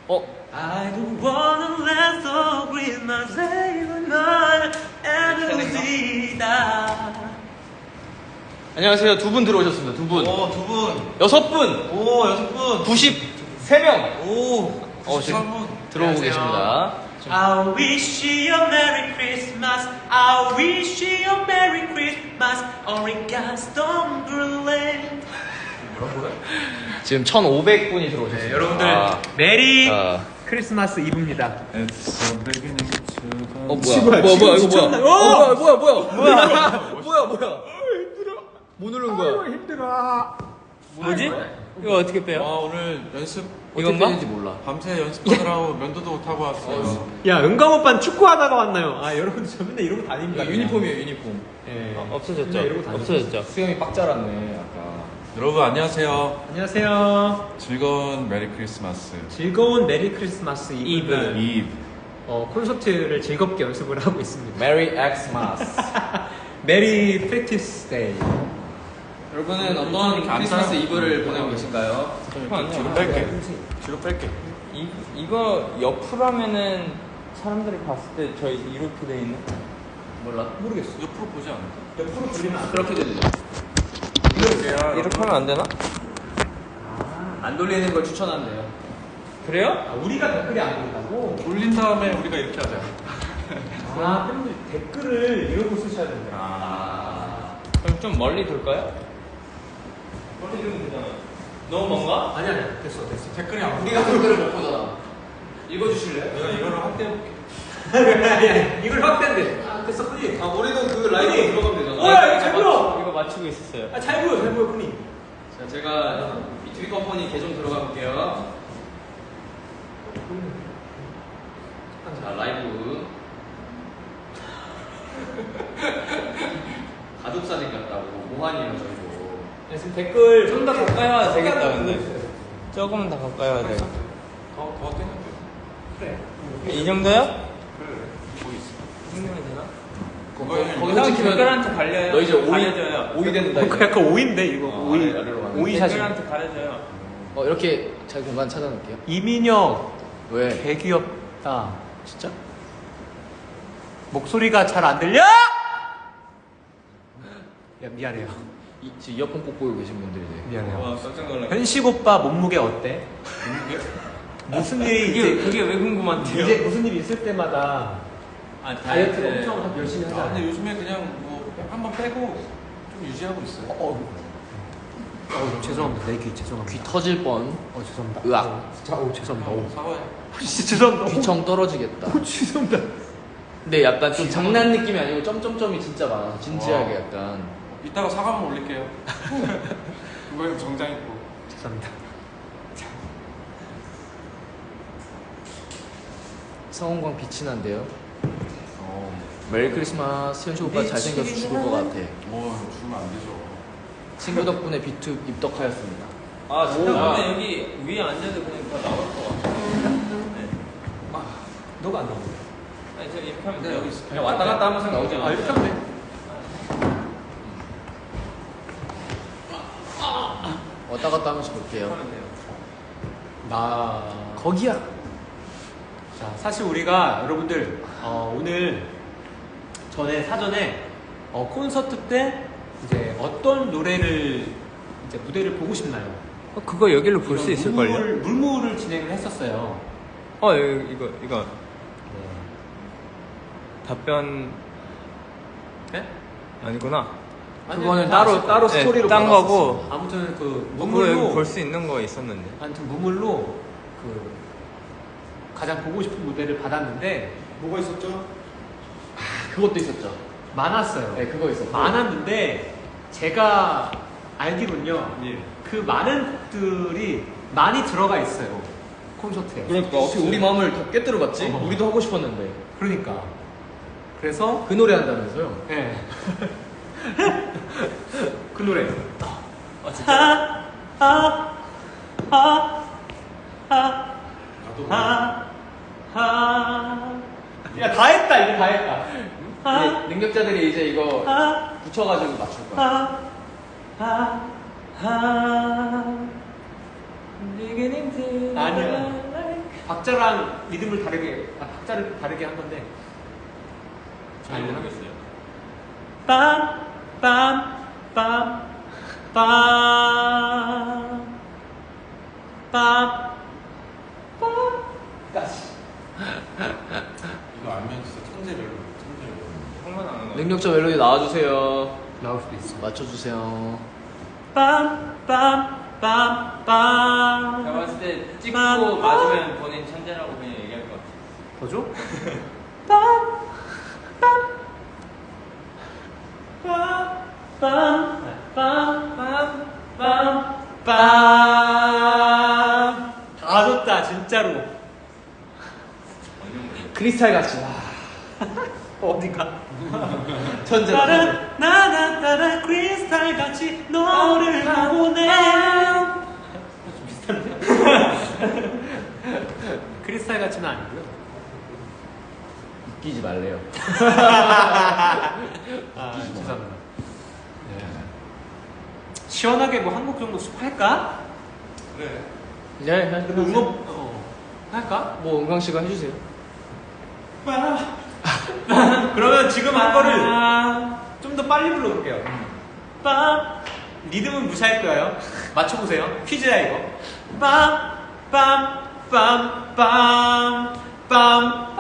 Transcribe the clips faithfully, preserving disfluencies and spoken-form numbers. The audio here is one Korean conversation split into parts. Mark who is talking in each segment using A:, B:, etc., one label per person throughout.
A: 어?
B: I don't wanna let the Christmas Eve night and see that.
A: 안녕하세요. 두 분 들어오셨습니다. 두 분.
C: 오, 두 분.
A: 여섯 분.
C: 오, 여섯 분.
A: 구십삼 명.
C: 오,
A: 어, 지금
C: 구십삼 분.
A: 들어오고
B: 안녕하세요.
A: 계십니다.
B: I wish you a Merry Christmas. I wish you a Merry Christmas. Only God's don't believe.
A: 지금 천오백 분이 들어오셨습니다.
B: 네, 여러분들
A: 아,
B: 메리
A: 아.
B: 크리스마스 이브입니다.
A: 어 뭐야? 뭐야 뭐야 이거 뭐야? 어 뭐야 뭐야 뭐야? 뭐야 뭐야 뭐야? 뭐 누른 거야?
B: 힘들어. 뭐지? 이거 어떻게 빼요?
C: 와, 오늘 연습
A: 이건가? 어떻게 되는지 몰라.
C: 밤새 연습하느라고 면도도 못하고 왔어요.
B: 야, 은광 오빠는 축구하다가 왔나요? 아, 여러분들 저 맨날 이러고 다닙니다.
A: 이거 유니폼이에요 유니폼.
B: 예.
A: 어, 없어졌죠?
B: 맨날 이러고 다녔어요.
A: 없어졌죠? 수영이 빡 자랐네 아까.
C: 여러분, 안녕하세요.
B: 안녕하세요.
C: 즐거운 메리 크리스마스.
B: 즐거운 메리 크리스마스 이브.
A: 이브.
C: 이브.
B: 어, 콘서트를 즐겁게 연습을 하고 있습니다.
A: 메리 엑스마스.
B: 메리 프랙티스 데이.
A: 여러분은 어떤 크리스마스 이브를 보내고 계실까요?
C: 뒤로 뺄게. 뒤로 뺄게.
D: 이, 이거 옆으로 하면은 사람들이 봤을 때 저희 이렇게 돼 있는?
A: 몰라.
B: 모르겠어.
C: 옆으로 보지 않을까?
B: 옆으로 돌리면 안 돼.
A: 그렇게 되죠.
D: 이렇게 하면 안 되나?
A: 안 돌리는 걸 추천한대요.
D: 그래요?
B: 아, 우리가 댓글이 안 보인다고?
C: 돌린 다음에 우리가 이렇게 하자.
B: 아, 팬분들 댓글을 이러고 쓰셔야 된다.
A: 아.
D: 그럼 좀 멀리 돌까요? 멀리 돌면 되잖아. 너무 먼가?
B: 아니, 아니, 됐어, 됐어.
C: 댓글이 안 보여.
A: 우리가 댓글을 못 보잖아. 읽어주실래요?
C: 내가 이거를 확대해볼게.
B: 아니, 아니, 이걸 확대인데. 아, 됐어, 뿌리.
A: 아 우리는 그 라이브 들어가면 되잖아.
B: 어, 야, 이거 잘 보여!
D: 이거 맞추고 있었어요.
B: 아, 잘 보여, 잘 보여, 뿌리.
A: 자 제가 비투비 컴퍼니 계정 들어가 볼게요. 자 라이브. 가족 사진 같다고 모환이에요 저희도.
B: 네, 지금 댓글
D: 좀 더 가까이 와야 되겠다,
B: 잠깐
D: 근데.
B: 보여주세요.
D: 조금은 더 가까이 와야 돼.
C: 더, 더 떼면 돼.
B: 그래.
D: 이 정도요?
C: 그래. 거기 있어.
D: 이 정도면 되나?
C: 거기
A: 거기서 찍히면
D: 댓글한테 갈려요.
A: 너 이제 오이
D: 가려져요.
A: 오이 된다.
B: 어,
A: 이제.
B: 약간 오인데, 이거.
A: 어,
B: 오이.
A: 아래, 아래로 가는.
B: 오이 사진.
D: 댓글한테 가려져요.
A: 어 이렇게 잘 공간 찾아놓을게요.
B: 이민혁,
A: 왜?
B: 개 귀엽다. 진짜? 목소리가 잘 안 들려? 야, 미안해요.
A: 이, 지금 이어폰 꼭 보고 계신 분들이지.
B: 미안해요.
D: 와, 깜짝 놀랐네.
B: 현식 오빠 몸무게 어때? 무슨 일이
D: 그게,
B: 이제,
D: 그게 왜 궁금한데요?
B: 이제 무슨 일이 있을 때마다
D: 아,
B: 다이어트를 엄청 열심히
C: 아,
B: 하잖아요.
C: 근데 요즘에 그냥 뭐 한번 빼고 좀 유지하고 있어요.
B: 어, 어, 죄송합니다. 내 귀 죄송합니다.
A: 귀 터질 뻔.
B: 어, 죄송합니다.
A: 으악.
B: 어, 진짜, 어, 죄송합니다. 어,
C: 사과해.
B: 진짜 죄송합니다.
A: 귀청 떨어지겠다.
B: 어, 죄송합니다.
A: 근데 약간 좀 장난 느낌이 아니고 점점점이 진짜 많아서 진지하게
C: 와.
A: 약간.
C: 이따가 사과 한번 올릴게요. 그거는 정장 입고.
B: 죄송합니다.
A: 성원광 빛이 난대요.
C: 어.
A: 메리 크리스마스. 현식 오빠 잘생겨서 죽을 것 같아.
C: 뭐 주면 안 되죠.
A: 친구 덕분에 비투 입덕하였습니다.
D: 아, 진짜
A: 오.
D: 근데 여기 위에 앉아도 그냥 다 나올 것 같아. 네.
B: 너가 안 나오네.
D: 아니, 저 이렇게 하면
C: 네,
D: 돼요.
C: 여기 있어.
A: 그냥 왔다 갔다 하면서 나오잖아.
B: 아, 이렇게 하면 돼.
A: 왔다 갔다 하면서 볼게요.
D: 하면 돼요.
B: 나.
A: 거기야.
B: 자, 사실 우리가 여러분들 어, 오늘 전에 사전에 어, 콘서트 때 이제 어떤 노래를 이제 무대를 보고 싶나요?
D: 어, 그거 여기로 볼 수
B: 이런
D: 있을걸요?
B: 물무를, 물무를 진행을 했었어요.
D: 어, 이거, 이거, 이거.
B: 네.
D: 답변
B: 네?
D: 아니구나.
A: 그거는 따로 따로
D: 네,
A: 스토리로
D: 딴
A: 받았었어.
D: 거고.
B: 아무튼 그
D: 그거
B: 무물로
D: 여기 볼 수 있는 거 있었는데.
B: 아무튼 무물로 그 가장 보고 싶은 무대를 받았는데
C: 뭐가 있었죠?
A: 아, 그것도 있었죠.
B: 많았어요.
A: 네, 그거 있었고.
B: 많았는데 제가 알기로는요.
C: 예.
B: 그 많은 곡들이 많이 들어가 있어요. 콘서트에.
A: 그러니까 어떻게 우리 마음을 다 꿰뚫어봤지?
B: 어.
A: 우리도 하고 싶었는데.
B: 그러니까. 그래서
A: 그 노래 한다면서요?
B: 예. 그 노래.
D: 아, 진짜?
B: 아, 아, 아,
C: 나도
B: 아, 아. 야, 다 했다, 이거 다 했다. 아,
A: 이제 능력자들이 이제 이거
B: 아,
A: 붙여가지고 맞출 거야.
B: 아, 아, 아.
D: Beginning to
B: 아니야. 박자랑 리듬을 다르게, 아, 박자를 다르게 한 건데.
C: 잘 모르겠어요.
B: 빰, 빰, 빰, 빰, 빰, 빰까지.
C: 이거 알면 진짜 천재별로, 천재별로.
D: 형만 아는 거.
A: 능력자 멜로디 나와주세요.
B: 나올 수도 있어.
A: 맞춰주세요.
B: 빰, 빰, 빰, 빰.
D: 제가 봤을 때 찍고
B: 빰,
D: 맞으면 본인 천재라고 그냥 얘기할 것 같아.
B: 더 줘? 빰, 빰, 빰, 빰, 빰, 빰, 빰. 다 줬다, 진짜로.
A: 크리스탈 같이. 와.
B: 어디가?
A: 천재.
B: 따라 나나 따라 크리스탈 같이 너를 보내. 좀 비슷한데? 크리스탈 같지는 아니고요.
A: 웃기지 말래요.
B: 아, 죄송합니다. 네. 시원하게 뭐 한 곡 정도 할까?
C: 그래.
A: 네,
B: 그리고 응원 어, 할까?
A: 뭐 은광 씨가 해주세요.
B: 그러면 지금 한 거를 좀 더 빨리 불러볼게요. 빰 리듬은 무시할 거예요. 맞춰보세요. 퀴즈야 이거. 빰 빰 빰 빰 빰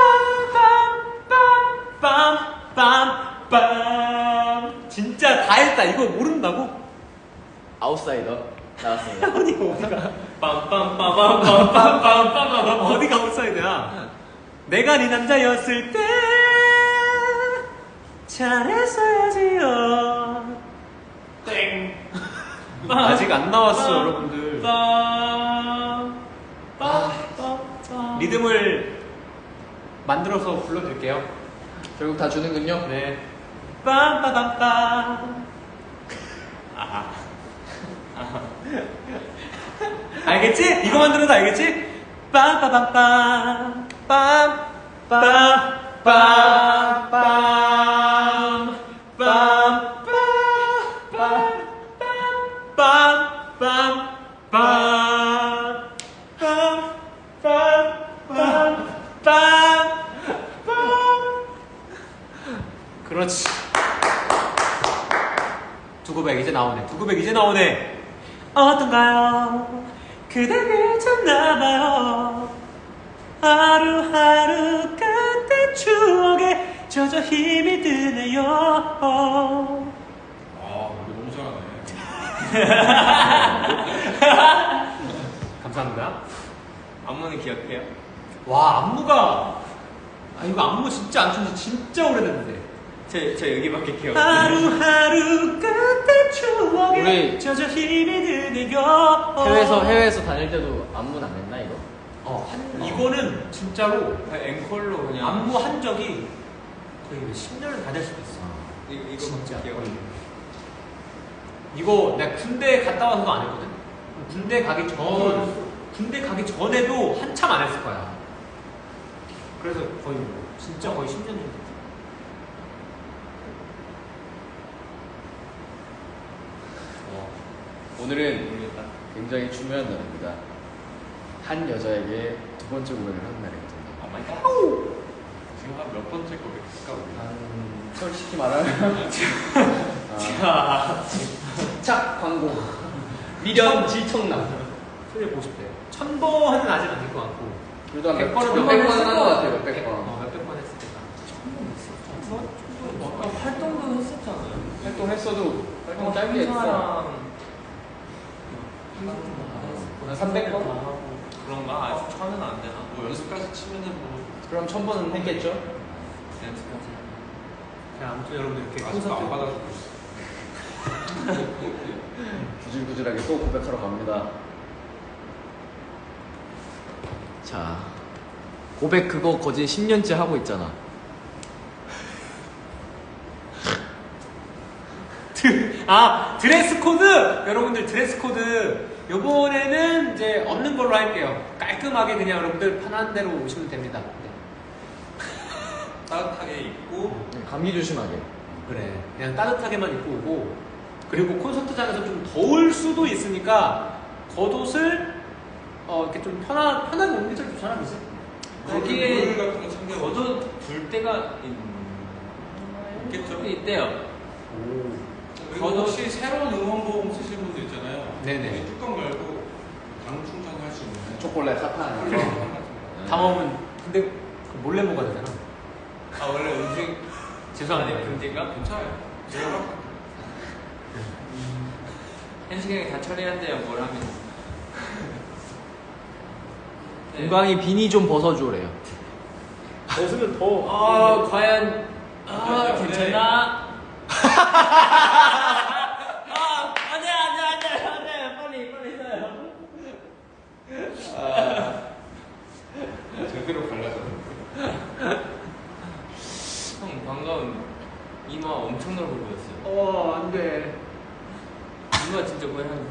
B: 빰빰빰빰빰빰 진짜 다 했다. 이거 모른다고?
A: 아웃사이더 나왔습니다.
B: 아니 어디가 빰빰빰빰빰빰빰빰빰 어디가 아웃사이드야? 내가 네 남자였을 때 잘했어야지요. 땡. 아직 안 나왔어 여러분들. 리듬을 만들어서 불러드릴게요.
A: 결국 다 주는군요.
B: 네. 빰빠밤빰. 아하. 알겠지? 이거만 들어도 알겠지? 빰빠밤빰. 빰. 빰. 빰. 빰. 빰. 그렇지. 두고백 이제 나오네. 두고백 이제 나오네. 어떤가요? 그대를 찾나봐요. 하루하루 그때 추억에 젖어 힘이 드네요.
C: 아, 우리 너무 잘하네.
B: 감사합니다.
D: 안무는 기억해요?
B: 와 안무가 아 이거 안무 진짜 안 춘지 진짜 오래됐는데.
D: 저, 저 여기밖에 기억.
B: 하루하루 그때 추억에
A: 우리
B: 젖어 힘이 드네요.
A: 해외에서 해외에서 다닐 때도 안무는 안 했나 이거?
B: 어, 한, 이거는 진짜로
D: 앵콜로 그냥.
B: 안무 한 적이 거의 십 년을 다 될 수도 있어.
D: 이, 이거
B: 진짜.
D: 기억.
B: 이거 내가 군대 갔다 와서도 안 했거든. 군대 가기 전 군대 가기 전에도 한참 안 했을 거야. 그래서 거의 뭐 진짜 거의 십 년 정도.
A: 어, 오늘은 굉장히 중요한 날입니다. 한 여자에게 두 번째 고백을 하는 날이거든요.
C: 아, 마이 갓. 지금 한 몇 번째 고백일까 우리?
A: 한 솔직히 말하면 아, 짝 광고 미련 질청남
B: 소리 보고 싶대. 천 번은 아직 안 될 것 같고.
A: 그래도 한
B: 백 번은
A: 몇백
B: 몇백
A: 번은
B: 했을
A: 한것
B: 것
A: 같아요. 몇백 번.
B: 어, 몇백 번 했을 때가.
D: 아까 활동도 했었잖아요.
A: 활동했어도 활동 짧게 했어. 한 삼백 번?
C: 그런가? 아직 천은 안 되나? 뭐 연습까지 치면은 뭐
A: 그럼 천 번은 했겠죠?
C: 연습까지.
B: 자, 아무튼 여러분들 이렇게
C: 아직도
B: 콘서트
C: 안 받아주고 있어.
A: 구질구질하게 또 고백하러 갑니다. 자, 고백 그거 거진 십 년째 하고 있잖아.
B: 아 드레스 코드 여러분들 드레스 코드 요번에는 이제 없는 걸로 할게요. 깔끔하게 그냥 여러분들 편한 대로 오시면 됩니다. 네.
C: 따뜻하게 입고
A: 감기 조심하게.
B: 그래 그냥 따뜻하게만 입고 오고 그리고 콘서트장에서 좀 더울 수도 있으니까 겉옷을 어 이렇게 좀 편한 편하게 오는 게 제일 좋잖아, 그지?
E: 거기에
C: 물 같은 거 챙겨
E: 걷어 둘 때가
C: 있겠죠?
E: 있대요.
C: 그리고 혹시 새로운 응원봉 쓰실 분들 있잖아요.
B: 네네.
C: 이 뚜껑 열고 당 충전할 수 있는
A: 초콜릿 사탕.
B: 그래. 다 먹으면 근데 그 몰래 먹어야 되잖아.
E: 아 원래 음식
B: 죄송하네요.
E: 문제가
C: 괜찮아요. 제가
E: 한 시간에 다 처리한대요. 뭘 하면. 네.
A: 은광이 비니 좀 벗어주래요.
B: 벗으면 더.
E: 아 과연 아
C: 네.
E: 괜찮나? 아 안돼 안돼 안돼 안돼 빨리 빨리 써요.
C: 제대로 갈라서
E: 형 방금 이마 엄청 넓어 보였어요.
B: 어 안돼.
E: 이마 진짜 거의 한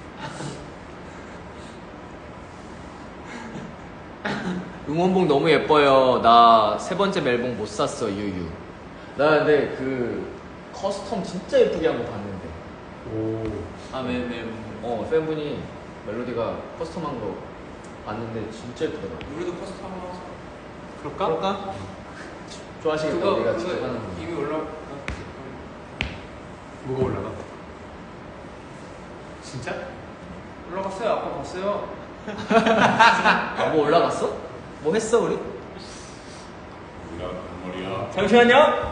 A: 응원봉 너무 예뻐요. 나 세 번째 멜봉 못 샀어, 유유. 나 근데 그 커스텀 진짜 예쁘게 한 거 봤는데.
B: 오.
E: 아왜왜
A: 어, 팬분이 멜로디가 커스텀한 거 봤는데 진짜 예쁘더라고.
C: 우리도 커스텀 하자.
B: 그럴까?
A: 그럴까? 좋아하시겠다,
E: 그거
A: 우리가
E: 그거
A: 직접 하는 거.
E: 이미 올라.
B: 뭐가 올라가? 진짜?
E: 올라갔어요. 아까 봤어요.
A: 아, 뭐 올라갔어? 뭐 했어, 우리?
C: 우리가 머리야.
E: 잠시만요.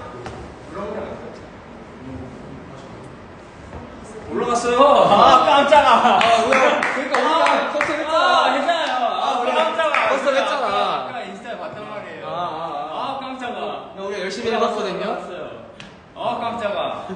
E: 올라갔어요. 아 깜짝아.
A: 아, 뭐야. 그러니까 우리가 커스텀 했잖아.
E: 아 괜찮아요. 아
A: 우리가
E: 깜짝아.
A: 커스텀 했잖아.
E: 아까 인스타에 봤단 말이에요.
A: 아, 아,
E: 아 깜짝아.
A: 아. 우리가 열심히 해봤거든요.
E: 올라갔어요. 아 깜짝아.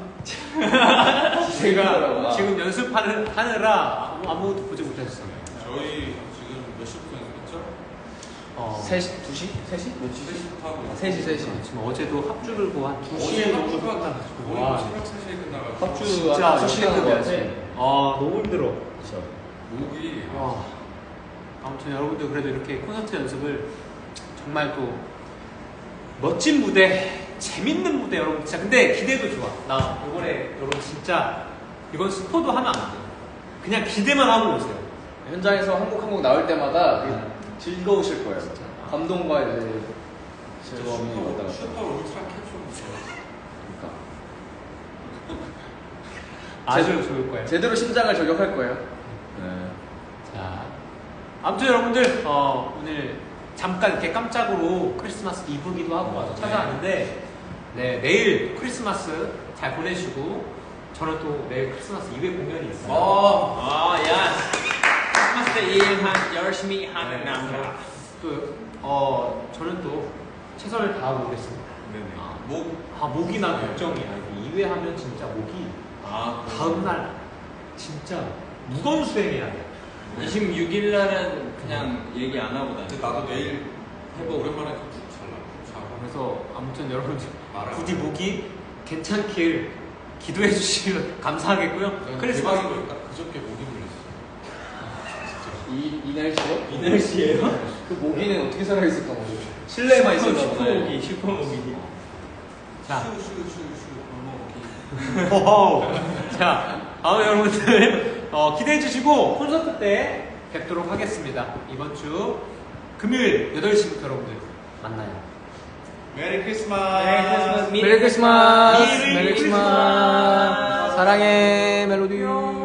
B: 제가 지금 연습하는 하느라 아무- 아무것도 보지 못했어요.
C: 저희 지금 몇 시부터 연습했죠?
B: 어.
A: 세 시? 두 시? 세 시? 몇 시?
C: 세 시부터 하고
A: 세 시, 세 시.
B: 지금 어제도 합주를 뭐한 두
C: 어제
B: 시에 정도
C: 합주가
B: 끝나가지고.
C: 거의
B: 와.
C: 새벽 세 시에 끝나가지고
A: 합주
B: 진짜
A: 한 두 시간
B: 열심히
A: 것 같아.
B: 해야지. 아 너무 힘들어.
A: 그쵸.
C: 목이
B: 와. 아무튼 여러분들 그래도 이렇게 콘서트 연습을 정말 또 멋진 무대, 재밌는 무대 여러분 진짜 근데 기대도 좋아. 나 이번에 여러분 진짜 이건 스포도 하면 안 돼. 그냥 기대만 하고 오세요.
A: 현장에서 한 곡 한 곡 나올 때마다 되게 즐거우실 거예요. 감동과 이제 즐거움이 왔다 갔다.
C: 슈퍼 울트라 캡슐
A: 그러니까
B: 아주 좋을 거예요.
A: 제대로 심장을 저격할 거예요. 네.
B: 자, 아무튼 여러분들 어, 오늘 잠깐 이렇게 깜짝으로 크리스마스 이브기도 하고 와서 찾아왔는데 네, 내일 크리스마스 잘 보내시고 저는 또 내일 크리스마스 이브 공연이 있어요.
E: 어, 아, 야. 크리스마스 때 일한 열심히 하는 남자.
B: 또 어, 저는 또 최선을 다하고 오겠습니다.
C: 네네.
B: 아,
C: 목
B: 아 목이 난 걱정이야. 이회 하면 진짜 목이
E: 아,
B: 다음 날 진짜 무거운 수행해야 돼.
E: 이십육 일 날은 그냥 얘기 안 하고 다녀.
C: 근데 나도 내일 해보 오랜만에 잘 나.
B: 그래서 아무튼 여러분들
C: 말아.
B: 부디 목이 괜찮길 기도해 주시면 감사하겠고요. 크리스마스
C: 대박인 거니까 그저께 목이 물렸어.
A: 이, 이 날씨에?
E: 이 날씨에요?
A: 그 모기는 어떻게 살아있을까 모르 실내에만 있었나 보네.
E: 슈퍼모기, 슈퍼모기.
B: 자,
C: 슈슈슈슈 골목이.
B: 호호. 자, 다음 여러분들 어, 기대해 주시고 콘서트 때 뵙도록 하겠습니다. 이번 주 금요일 여덟 시부터 여러분들 만나요.
C: 메리 크리스마스.
E: 메리 크리스마스.
A: 메리 크리스마스.
B: 메리
A: 메리 크리스마스. 사랑해 멜로디.